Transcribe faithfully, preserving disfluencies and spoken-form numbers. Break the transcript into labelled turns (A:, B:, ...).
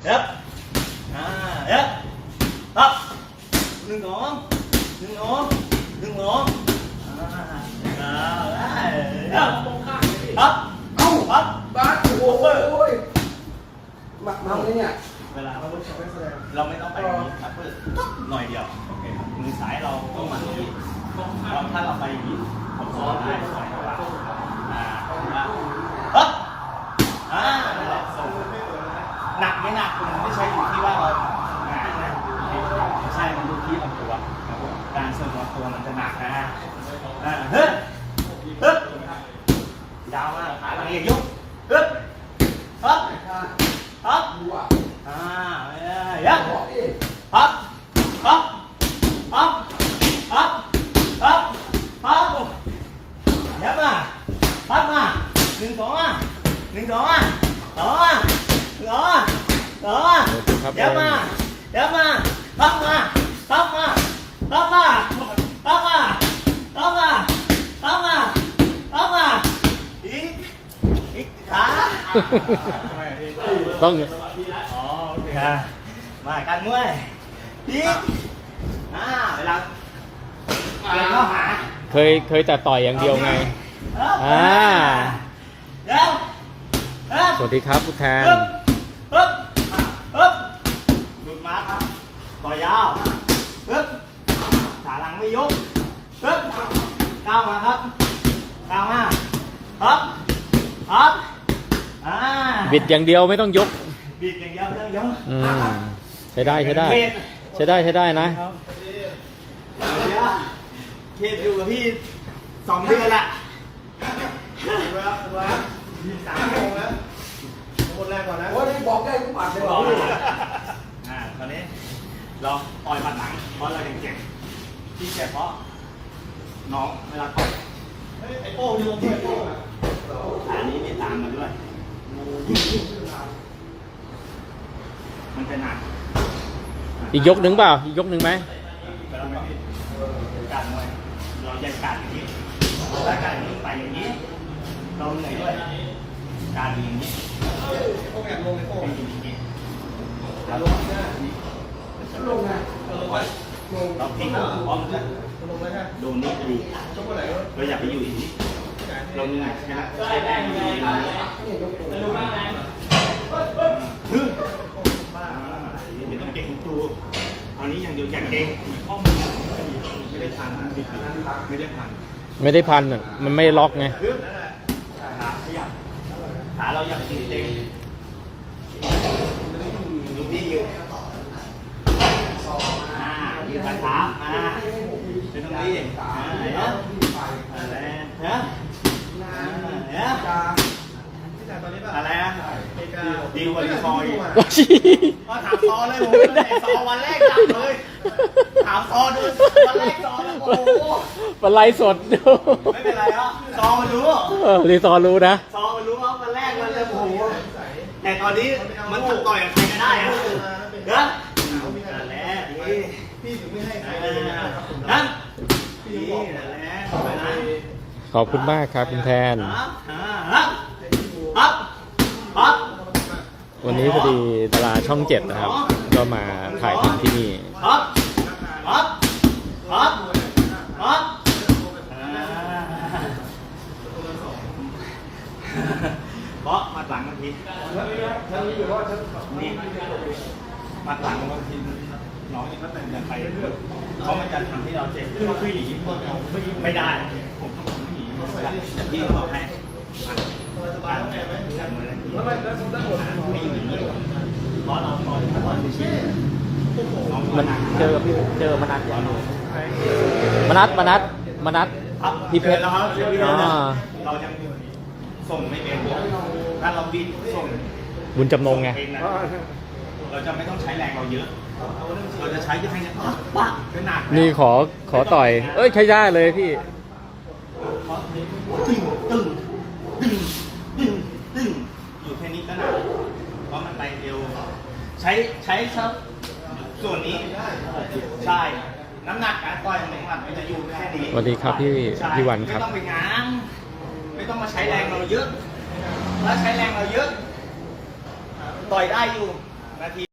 A: เย็บอ่าเย็บปั๊บหนึ่งสองหนึ่งสองหนึ่งสองอ่าได้เย็บปั๊บเอ้าปั๊บ
B: บ้านโอ้ยมาทำเนี่ย
A: เวลาเราเราไม่ต้องไปอย่างนี้ครับเพื่อหน่อยเดียวโอเคครับมือซ้ายเราต้องมาอย่างนี้ถ้าเราไปอย่างนี้ผมซ้อนได้สอยกว่าอ่าปั๊บอ่าหนักไม่หนักคุณไม่ใช่อยู่ที่ว่าเรางานนะไม่ใช่มันอยู่ที่ลำตัวการเสริมลำตัวมันจะหนักนะอ่าเฮ้ยเฮ้ยยาวมากขาหลังเอียงยกเฮ้ยปั๊บปั๊บอ่าเยอะปั๊บปั๊บปั๊บปั๊บปั๊บปั๊บเยอะมาปั๊บมาหนึ่งสองอ่ะหนึ่งสองอ่ะสองอ่ะสองอ่ะสองอ่ะเยอะมาเยอะมาปั๊บมาปั๊บมาปั๊บมาปั๊บมาปั๊บมาปั๊บมาปั๊บมาอีกอีกขา
C: ต้อง
A: อ๋อโอเคมาการมวยอีกอ่าเวลาเดินเข้าหา
C: เคยเคยแต่ต่อยอย่างเดียวไงอ่า
A: เดี๋ยว
C: สวัสดีครับผู้แทน
A: ปึ๊บปึ๊บปึ๊บหลุดมาครับต่อยาวปึ๊บขาหลังไม่ยกปึ๊บก้าวมาครับก้าวมาครับครับอ่า
C: บิดอย่างเดียวไม่ต้องยก
A: บิดอย่างเดียวไม่ต้องยก
C: อืมใช้ได้ใช้ได้ใช้ได้ใช้ได้นะ
A: เคสอยู่กับพี่สองเดือนละ
B: สามโมงแล้วคนแรกก่อนนะโอ้ยบอกได้ทุกปัดเลยบอก
A: อ่าตอนนี้เราต่อยหมัดหลังเพราะเรายังเจ็บที่เจ็บเพราะน้องเวลาต่อยไอ้โป้ยลงที่ไอ้โป้อันนี้มีตามมาด้วยมันจะหนัก
C: อีกยกหนึ่งเปล่าอีกยกหนึ่งไหม
A: การมวยเราจะการอย่างนี้ถ้าการนี้ไปอย่างนี้เราเหนื่อยด้วยการอย่างนี้
B: โอ้แอบลงเลยโอ้
A: เป็นอย่างนี้
B: แล้วลงนะลงนะลง
A: เราพลิกพร้อมกันโดนนี่ดีเราอย่าไปอยู่อย่างนี้เราเหนื่อยใช่ไหมใช้แรงดีฮึไม่ต้องเก่งตัวเอานี้อย่างเดียวอย่างเก่งข้อมือไม่ได้พันไม่ได้พัน
C: ไม่ได้พันอ่ะมันไม่ล็อกไง
A: ขาขยับขาเราอยากตีเต็งดูที่ยืนอ่ายืนขาเท้าอ่าเป็นตรงนี้อ่าเห็นไหมอะไรนะเนี่ยอะไรนะดีกว่าดีซอยก็ถามซอเลยผมไม่ได้ซอวันแรกจับเลยถามซอดูวันแรกซอแล้วโอ้โห
C: เป็นไรสดดู
A: ไม่เป็นไรครับซอมันรู้
C: รีซอรู้นะ
A: ซอมันรู้ว่าวันแรกมันจะโอ้โหแต่ตอนนี้มันทำต่อยกับใครก็ได้อะเด้อนั่นแหละนี่พี่ถึงไม่ให้ใครเลยนะนี่นั่นแหละ
C: ขอบคุณมากครับคุณแทนวันนี้พอดีดาราช่องเจ็ดนะครับก็มาถ่ายทำที่นี่
A: เพราะมัดหลังบางทีนี่มัดหลังบางทีน้องยังก็เดินไปเขามันจะทำให้เราเจ็บคือหนีไม่ได้ผมต้องหนีอย่างที่บอกให้การการมือไม่อยู่อย่างนี้เพราะเราตอนตอนชี้
C: มันเจอพี่เจอมนัดอย่างนี้มนัดมนัดมนัดพี่เพชร
A: เราจะส่งไม่เป็นถ้าเราบิดส่ง
C: บุญจำนงไง
A: เราจะไม่ต้องใช้แรงเราเยอะเราจะใช้แค่นี้ปั๊บเป็นหนัก
C: นี่ขอขอต่อยเอ้ยใช้ได้เลยพี่
A: ตึงตึงตึงตึงตึงอยู่แค่นี้ก็หนักเพราะมันไปเร็วใช้ใช้ครับส่วนนี้ใช่น้ำหนักการต่อยของมันมันจะอยู่แค่นี้
C: สวัสดีครับพี่พี่วันครับ
A: ไม่ต้องไปง้างไม่ต้องมาใช้แรงเราเยอะถ้าใช้แรงเราเยอะต่อยได้อยู่นาที